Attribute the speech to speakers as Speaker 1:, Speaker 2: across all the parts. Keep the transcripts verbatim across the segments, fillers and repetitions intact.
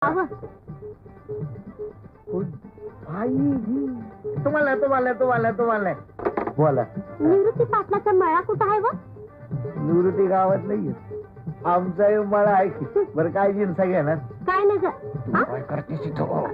Speaker 1: तुम्हाला तुम्हाला तुम्हाला तुम्हाला बोला.
Speaker 2: निवृत्ती पाटलाचा मळा कुठं आहे व?
Speaker 1: निवृत्ती गावात नाहीये, आमचा मळा आहे की. बरं काय जिन्सा घेणार?
Speaker 2: काय नाही ग.
Speaker 1: काय करतेस इथं?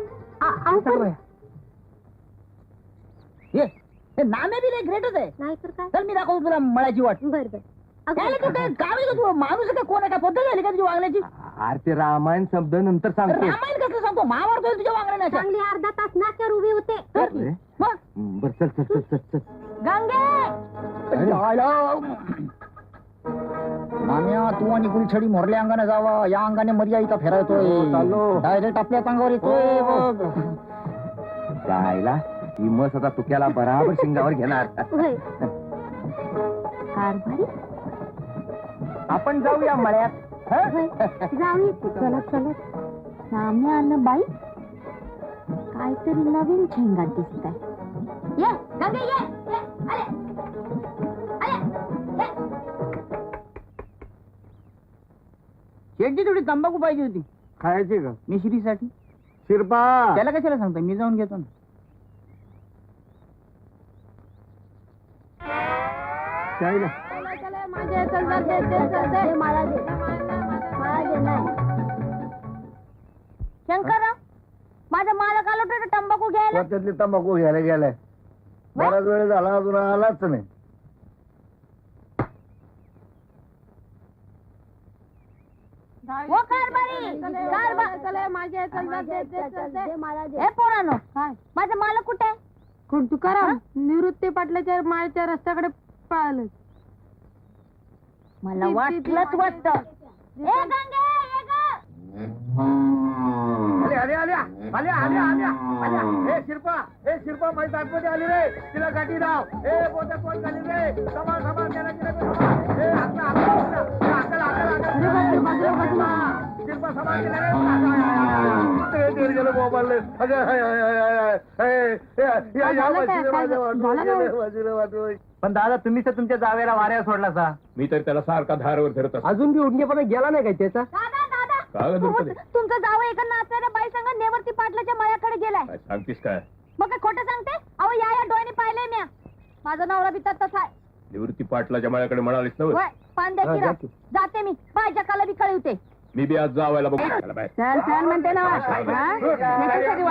Speaker 3: ये हे नामे बी लय ग्रेटच आहे.
Speaker 2: नाही तर काय.
Speaker 3: चल मी दाखवतो तुला मळाची वाट.
Speaker 2: बर बर.
Speaker 3: काय तू काय गाव आहे का तू? माणूस आहे का कोण आहे का? पद्धत झाली का तुझ्या वागण्याची?
Speaker 1: अरे ते रामायण शब्द नंतर सांगतो.
Speaker 3: रामायण कसं सांगतो? महाभारत होईल तुझ्या वागण्याच्या.
Speaker 2: चांगली अर्धा तास नाक्यावर उभी होते.
Speaker 3: मग
Speaker 1: बर चल चल चल चल चल.
Speaker 2: गंगे
Speaker 3: माम्या तू आणि गुलछडी मोरल्या अंगाने जावा, या अंगाने मर्या इथं फिरवतोय.
Speaker 1: चाललो.
Speaker 3: डायरेक्ट आपल्याच अंगावर येतोय बघ.
Speaker 1: जायला ही मस आता तुक्याला बराबर शिंगावर घेणार.
Speaker 2: होय. कारभारी
Speaker 1: आपण जाऊया मळ्यात.
Speaker 2: होय. जाऊया की. चलत चलत सामने आलं बाई, काहीतरी नवीन झेंगाट दिसत आहे. ये गंगे ये, ये. अरे अरे ये.
Speaker 3: शेटची थोडी तंबाखू पाहिजे होती
Speaker 1: खायचे का?
Speaker 3: मिश्रीसाठी.
Speaker 1: शिरपा
Speaker 3: त्याला कशाला सांगता, मी जाऊन घेतो ना.
Speaker 1: जायला
Speaker 2: शंकरराव, माझा मालक आलो होता तंबाखू घ्यायला.
Speaker 1: त्यातली तंबाखू घ्यायला गेलाय. बराच वेळ झाला अजून आलाच नाही.
Speaker 2: हो कारभारी, हे पोरांनो, माझा मालक कुठे आहे?
Speaker 4: कोण तुकाराम? निवृत्ती पाटलाच्या माळच्या रस्त्याकडे पळालं.
Speaker 2: मला वाटलंच वाटत. ए गंगे, ये गं.
Speaker 1: आल्या आल्या आल्या आल्या आल्या आल्या. हे शिरपा, हे शिरपा माझी आतमध्ये आली रे. तिला गाठी लाव. हे बोटा पोट झाली रे. समान समान त्याला तिला समान. हे हातला हातला हातला हातला हातला शिरपा समान केला रे. ते दीड गेलं मोबाईल. अगं हाय हाय हाय हाय हाय या या बाजूला माझ्या बाजूला वाटोय. पण दादा तुम्ही तर तुमच्या जावेला वाऱ्या सोडला सा.
Speaker 5: मी तर त्याला सारखा धारवर धरत असतो.
Speaker 1: अजून बी उडणेपणा गेला नाही काय त्याचा?
Speaker 2: दादा दादा,
Speaker 5: काय गं दुर्पदे?
Speaker 2: तुमचा जावं एका नाचणाऱ्या बाई संग नेवरती पाटलाच्या मळ्याकडे गेलाय.
Speaker 5: काय सांगतीस काय?
Speaker 2: मग काय खोटं सांगते? अहो या या डोळ्याने पाहिलंय म्या. माझा नवरा बी तसाच आहे.
Speaker 5: निवृत्ती पाटलाच्या माळ्याकडे म्हणालीस ना?
Speaker 2: होय, पान द्या की राव. जाते मी, बायच्या काला बी कळवते.
Speaker 5: मी बी आज जावायला बघू. चला बाय.
Speaker 4: चल चल म्हणते ना. किती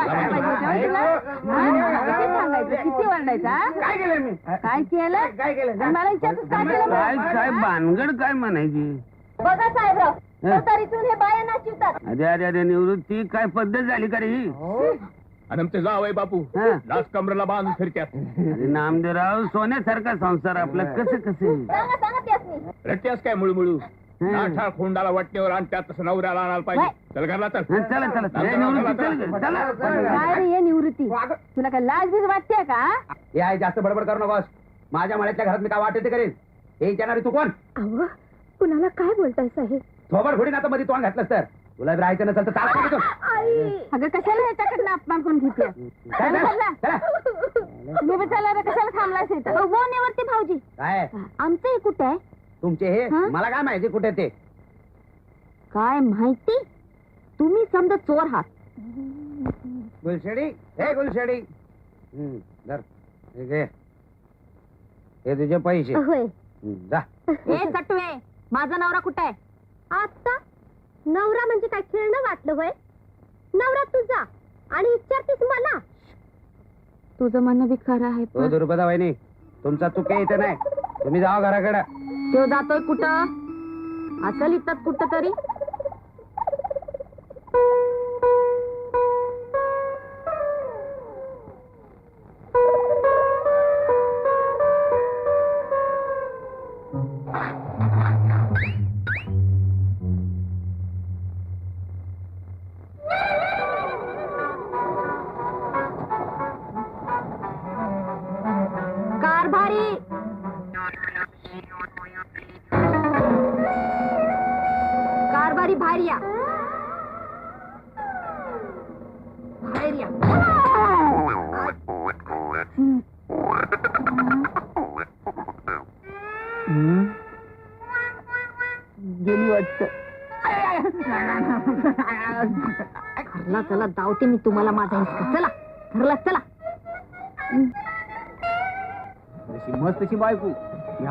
Speaker 4: सांगायचं, किती वरडायचा?
Speaker 1: काय केलं मी?
Speaker 4: काय केलं?
Speaker 1: काय केलं?
Speaker 4: मला विचारतोस काय केलं?
Speaker 6: काय भानगड काय म्हणायची?
Speaker 2: बघा साहेबराव, तरीतून हे बाया नाचिवतात.
Speaker 6: अरे अरे अरे निवृत्ती काय पद्धत झाली का रे ही?
Speaker 5: आणि आमचे जावई बापू
Speaker 6: हा.
Speaker 5: लाच कमरेला बांधून फिरत्यात.
Speaker 6: अरे नामदेवराव, सोन्यासारखा संसार आपला कसं कसं?
Speaker 2: सांगा सांगा त्यासनी.
Speaker 5: रट्ट्यास काय मुळमुळू नाठाळ खोंडाला वाटण्यावर आणत्यात तसं नवऱ्याला आणायला पाहिजे. चल घरला चल.
Speaker 6: हं, चला चला चला. ए, निवृत्ती चल ग, चला.
Speaker 4: काय रे हे निवृत्ती? तुला काय लाज बीज वाटते का?
Speaker 6: हे आहे, जास्त बडबड करू नकोस. माझ्या मळ्यातल्या घरात मी काय वाटते ते करेन. हे विचारणारी तू कोण?
Speaker 2: अहो, कुणाला काय बोलताय साहेब?
Speaker 6: थोबड फोडीन आता मध्ये तोंड घातलंस तर. तुला राहायचं नसेल तर चाल तिथून.
Speaker 2: आई,
Speaker 4: अगं कशाला ह्याच्याकडनं अपमान करून घेते?
Speaker 6: काय झालं? चला.
Speaker 4: मी विचारला रे, कशाला थांबलायस इथं?
Speaker 2: हो नेवरती भाऊजी,
Speaker 6: काय
Speaker 2: आमचं हे कुठे आहे?
Speaker 6: तुमचे हे
Speaker 2: हं?
Speaker 6: मला काय माहिती कुठे ते?
Speaker 2: काय माहिती? तुम्ही समजा चोर आहात.
Speaker 6: गुलशेडी, हे गुलशेडी. हं, धर. हे घे. हे तुझे पैसे.
Speaker 2: होय.
Speaker 6: हं, जा.
Speaker 2: ए सटवे, माझा नवरा कुठे आहे? आता नवरा म्हणजे काय खेळणं वाटलं होय? नवरा तुझा आणि विचारतेस मला?
Speaker 4: तुझं म्हणणं बी खरं आहे.
Speaker 6: हो दुर्पदा वहिनी, तुमचा चुके इथे नाही. तुम्ही जावा घराकडे.
Speaker 4: तो जातोय कुठं? असं लिहितात कुठं तरी.
Speaker 2: कारभारी, कारभारी बाहेर या. बाहेर या.
Speaker 3: गेली वाटत.
Speaker 2: चला चला दावते मी तुम्हाला माझा हिसका. चला घरला चला.
Speaker 6: मस्त तशी बायको